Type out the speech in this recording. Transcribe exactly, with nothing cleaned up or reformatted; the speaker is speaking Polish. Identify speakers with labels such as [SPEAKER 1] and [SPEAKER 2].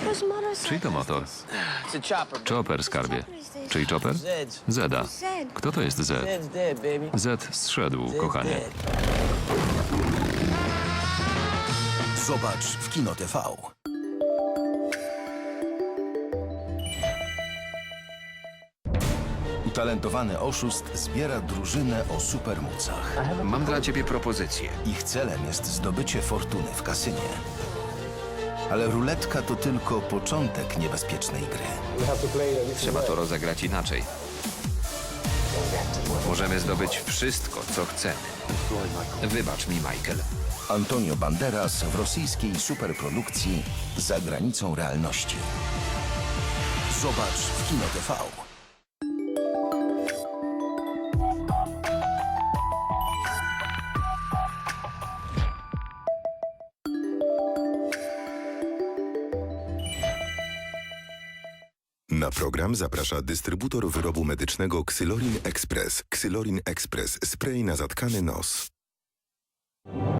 [SPEAKER 1] Czyj to motor? Chopper, skarbie. Czyj Chopper? Zeda. Kto to jest Z? Z zszedł, kochanie.
[SPEAKER 2] Zobacz w Kino T V. Utalentowany oszust zbiera drużynę o supermocach.
[SPEAKER 3] Mam dla ciebie propozycję.
[SPEAKER 2] Ich celem jest zdobycie fortuny w kasynie. Ale ruletka to tylko początek niebezpiecznej gry.
[SPEAKER 3] Trzeba to rozegrać inaczej. Możemy zdobyć wszystko, co chcemy. Wybacz mi, Michael.
[SPEAKER 2] Antonio Banderas w rosyjskiej superprodukcji Za granicą realności. Zobacz w Kino T V.
[SPEAKER 4] Na program zaprasza dystrybutor wyrobu medycznego Xylorin Express. Xylorin Express. Spray na zatkany nos.